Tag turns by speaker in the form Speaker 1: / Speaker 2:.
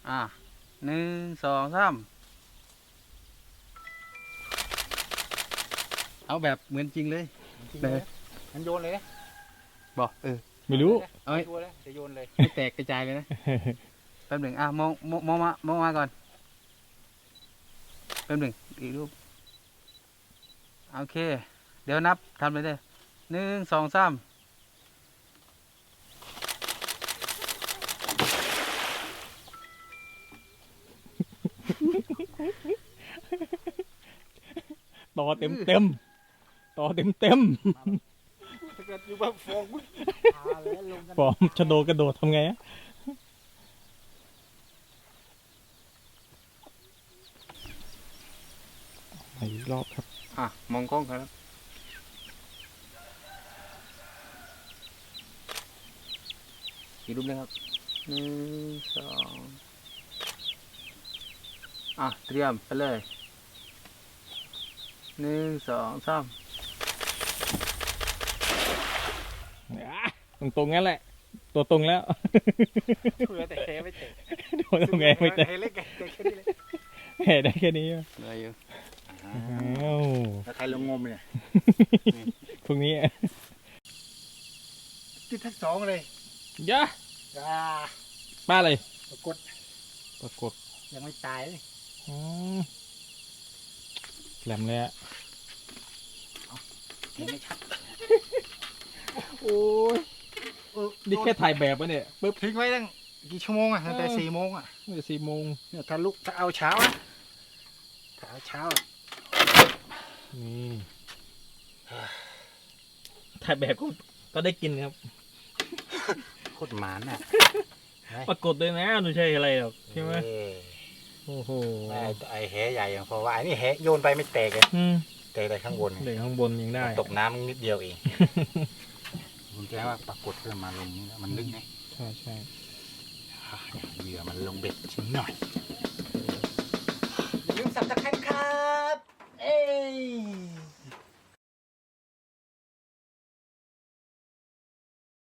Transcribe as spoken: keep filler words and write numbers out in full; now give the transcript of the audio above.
Speaker 1: อ่ะหนึ่งสองสามเอาแบบเหมือนจริงเลยเลยมันโยนเลยบอกเออ
Speaker 2: ไม่รู้
Speaker 1: เอาให้จะโยนเลยให้แตกกระจายเลยนะแป๊บหนึ่งอ่ะมองมองมองมามองมาก่อนแป๊บหนึ่งอีกรูปโอเคเดี๋ยวนับทำเลยเด้อหนึ่งสองสาม
Speaker 2: ต่อเต็มเต็มต่อเต็มเต็มฟอร์มชะโดกระโดดทำไงอะอีกรอบครับ
Speaker 1: อ่ะมองกล้องครับอีกรูปนึงครับหนึ่งสองอ่ะเตรียมไปเลยหนึ่งสองสาม
Speaker 2: ตรงตรงงั้นแหละตัวตรงแล้ว
Speaker 3: เพื่อแต่แค่ไม่เตะ
Speaker 2: โดนทำไงไม่แต่
Speaker 3: เล็กแค่นี้เลย
Speaker 2: แห่ได้แค่นี้อะ
Speaker 1: เหลืออยู่
Speaker 2: อ้าว
Speaker 3: แล้วใครลงงมเนี่ย
Speaker 2: พวกนี้
Speaker 3: ติดทั้งสองเลย
Speaker 2: ยะ
Speaker 3: อ่า
Speaker 2: ป้าเลย
Speaker 3: ปรากฏ
Speaker 2: ปรากฏ
Speaker 3: ยังไม่ตายเลย
Speaker 2: อืมแหลมเลยอะ
Speaker 3: เห็นไม่ชัด
Speaker 2: โอ้ย
Speaker 3: เออ
Speaker 2: นี่แค่ถ่ายแบบวะเนี่ยปึ๊บ
Speaker 3: ทิ้งไว้ตั้งกี่ชั่วโมงอ่ะตั้งแต่
Speaker 2: เออ
Speaker 3: สี่โมงอ่ะ
Speaker 2: มันจะสี่โมง
Speaker 3: เนี่ยถ้าลุกถ้าเอาเช้านะถ้าเอาเช้าอะ
Speaker 2: นี่ถ่ายแบบก็ก็ได้กินครับ
Speaker 3: โคตรหมานอ่ะ
Speaker 2: ปรากฏด้วยนะไม่ใช่อะไรหรอกใช่ไหม
Speaker 3: เออ
Speaker 2: โอ้โห
Speaker 3: ไอ้ไอ้แหใหญ่อย่างเพราะว่าไอ้นี่แหโยนไปไม่แตกเลย
Speaker 2: อืม
Speaker 3: แตกแต่ข้างบน
Speaker 2: เด็กข้างบนยังได้
Speaker 3: ตกน้ำนิดเดียวเองผมแจ้งว่าปรากฏเพื่อมาลงนี่นะมันลึกไง
Speaker 2: ใช่ใช่
Speaker 3: เหยื่อมันลงเบ็ดชิ้นหน่อยอย่าลืมสับตะไคร้ครับ เอ้ย